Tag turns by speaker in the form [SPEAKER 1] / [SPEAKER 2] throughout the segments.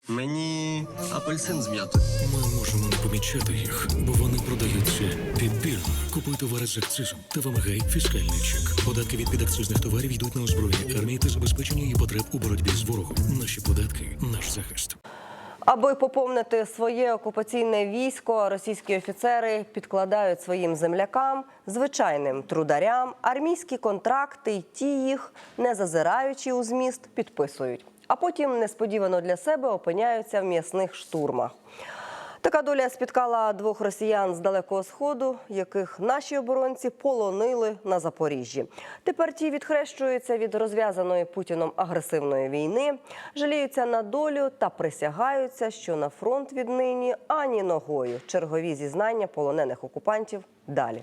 [SPEAKER 1] Мені апельсин з м'ятою.
[SPEAKER 2] Ми можемо не помічати їх, бо вони продаються підбірно. Купуй товари з акцизом та вимагай фіскальний чек. Податки від підакцизних товарів йдуть на озброєння армії та забезпечення її потреб у боротьбі з ворогом. Наші податки – наш захист.
[SPEAKER 3] Аби поповнити своє окупаційне військо, російські офіцери підкладають своїм землякам, звичайним трударям, армійські контракти й ті їх, не зазираючи у зміст, підписують. А потім несподівано для себе опиняються в м'ясних штурмах. Така доля спіткала двох росіян з Далекого Сходу, яких наші оборонці полонили на Запоріжжі. Тепер ті відхрещуються від розв'язаної Путіном агресивної війни, жаліються на долю та присягаються, що на фронт віднині ані ногою. Чергові зізнання полонених окупантів далі.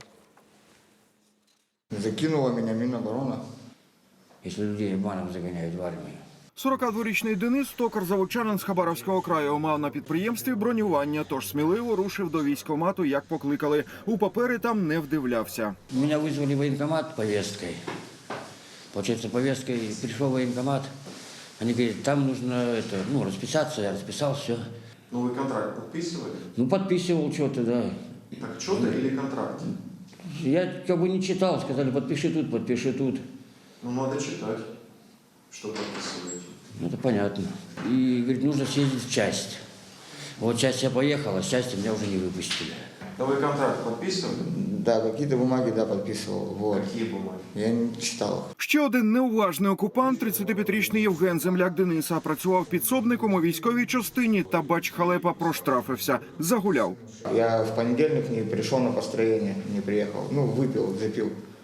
[SPEAKER 4] Закинула мене Міноборони.
[SPEAKER 5] Якщо людей обманом заганяють в армію.
[SPEAKER 6] 42-річний Денис, токар-заводчанин з Хабаровського краю, мав на підприємстві бронювання, тож сміливо рушив до військкомату, як покликали. У папери там не вдивлявся.
[SPEAKER 5] Меня вызвали в военкомат повесткой. Получается, повесткой пришел в военкомат. Они говорят, там нужно расписаться. Я расписал, все.
[SPEAKER 7] Ну, вы контракт подписывали?
[SPEAKER 5] Ну, подписывал что-то, да.
[SPEAKER 7] Так что-то или контракт?
[SPEAKER 5] Я как бы не читал, сказали, подпиши тут, подпиши тут.
[SPEAKER 7] Ну, надо читать, что подписываете.
[SPEAKER 5] Ну, это понятно. И, говорит, нужно съездить в часть. Вот часть я поехал, а с части меня уже не выпустили.
[SPEAKER 7] Да вы контракт подписывали?
[SPEAKER 4] Да, какие-то бумаги, да, подписывал. Вот.
[SPEAKER 7] Какие бумаги?
[SPEAKER 4] Я не читал.
[SPEAKER 6] Ще один неуважний окупант, 35-річний Євген, земляк Дениса, працював підсобником у військовій частині та, бач, халепа, проштрафився. Загуляв.
[SPEAKER 4] Я в понедельник не пришел на построение, не приехал. Ну, выпил, запил.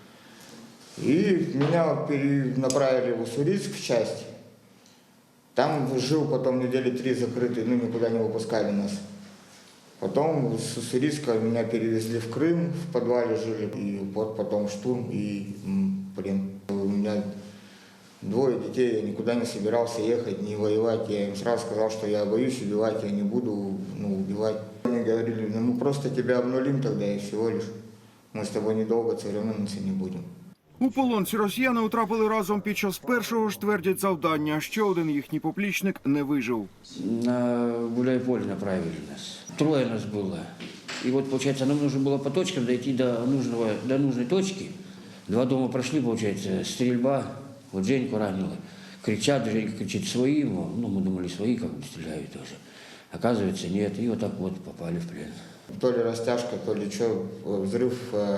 [SPEAKER 4] И меня перенаправили в Уссурийск в часть. Там жил потом недели 3 закрытый, ну, никуда не выпускали нас. Потом с Уссурийска меня перевезли в Крым, в подвале жили. И вот потом штурм и плен. У меня 2 детей, я никуда не собирался ехать, не воевать. Я им сразу сказал, что я боюсь убивать, я не буду убивать. Они говорили, ну мы просто тебя обнулим тогда и всего лишь. Мы с тобой недолго церемониться не будем.
[SPEAKER 6] У полон ці росіяни утрапили разом під час першого ж, твердять, завдання. Ще один їхній поплічник не вижив.
[SPEAKER 5] На Гуляйполе направили нас. 3 нас было. И вот, получается, нам нужно было по точкам дойти до нужной точки. 2 дома прошли, получается, стрельба. Вот Женьку ранило. Кричат, Женька кричит своим. Ну, мы думали, свои как бы стреляют тоже. Оказывается, нет. И вот так вот попали в плен.
[SPEAKER 4] То ли растяжка, то ли что, взрыв,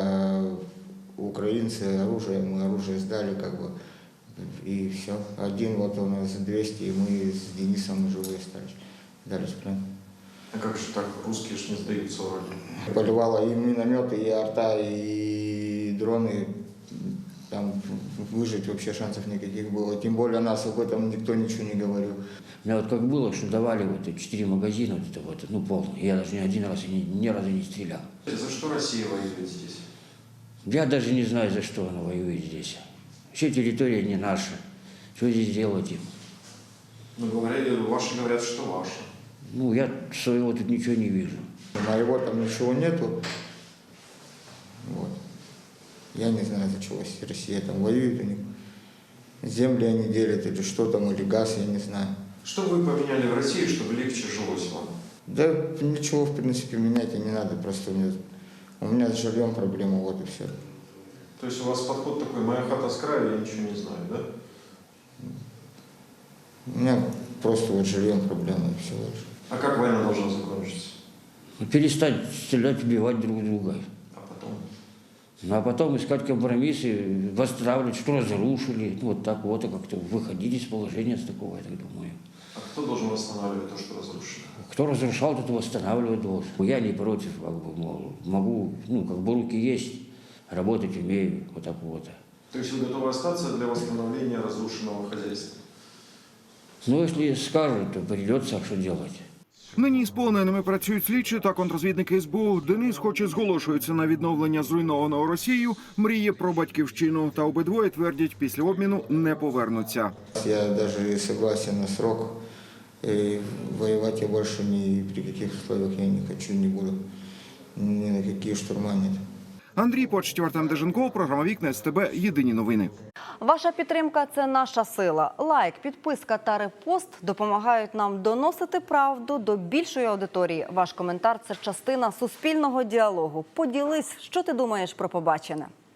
[SPEAKER 4] украинцы оружие, мы оружие сдали, как бы, и все. Один вот у нас 200, и мы с Денисом живые остались. Дали в плен.
[SPEAKER 7] А как же так? Русские ж не сдаются вроде.
[SPEAKER 4] Поливало и минометы, и арта, и дроны. Там выжить вообще шансов никаких было. Тем более нас об этом никто ничего не говорил.
[SPEAKER 5] У меня вот как было, что давали вот 4 магазина, вот это вот, ну, полный. Я даже ни разу не стрелял.
[SPEAKER 7] За что Россия воюет здесь?
[SPEAKER 5] Я даже не знаю, за что она воюет здесь. Вообще территория не наша. Что здесь делать им?
[SPEAKER 7] Ну, ваши говорят, что ваши.
[SPEAKER 5] Ну, я своего тут ничего не вижу.
[SPEAKER 4] Моего там ничего нету. Вот. Я не знаю, за чего Россия там воюет у них. Земли они делят или что там, или газ, я не знаю.
[SPEAKER 7] Что вы поменяли в России, чтобы легче жилось вам?
[SPEAKER 4] Да ничего, в принципе, менять и не надо, просто у меня с жильем проблема, вот и все.
[SPEAKER 7] То есть у вас подход такой, моя хата с краю, я ничего не знаю, да?
[SPEAKER 4] У меня просто вот с жильем проблема и все лишь.
[SPEAKER 7] А как война должна закончиться?
[SPEAKER 5] Перестать стрелять, убивать друг друга.
[SPEAKER 7] А потом?
[SPEAKER 5] Ну, а потом искать компромиссы, восстанавливать, что разрушили. Ну, вот так вот, как-то выходить из положения с такого, я так думаю.
[SPEAKER 7] А кто должен восстанавливать то, что разрушено?
[SPEAKER 5] Кто разрушал, тот восстанавливать должен. Я не против, как бы, мол, могу, ну, как бы руки есть, работать умею, вот так вот.
[SPEAKER 7] То есть вы готовы остаться для восстановления разрушенного хозяйства?
[SPEAKER 5] Ну, если скажут, то придется, а что делать?
[SPEAKER 6] Нині з полоненими працюють слідчі та контрозвідники СБУ. Денис, хоч і зголошується на відновлення зруйнованого Росією, мріє про батьківщину. Та обидвоє твердять, після обміну не повернуться.
[SPEAKER 4] Я даже и согласен на срок. И воевать я больше ни при каких условиях я не хочу, не буду. Ни на какие штурма нет.
[SPEAKER 6] Андрій Почтів, Артем Деженков, програма «Вікна СТБ». Єдині новини.
[SPEAKER 8] Ваша підтримка – це наша сила. Лайк, підписка та репост допомагають нам доносити правду до більшої аудиторії. Ваш коментар – це частина суспільного діалогу. Поділись, що ти думаєш про побачене.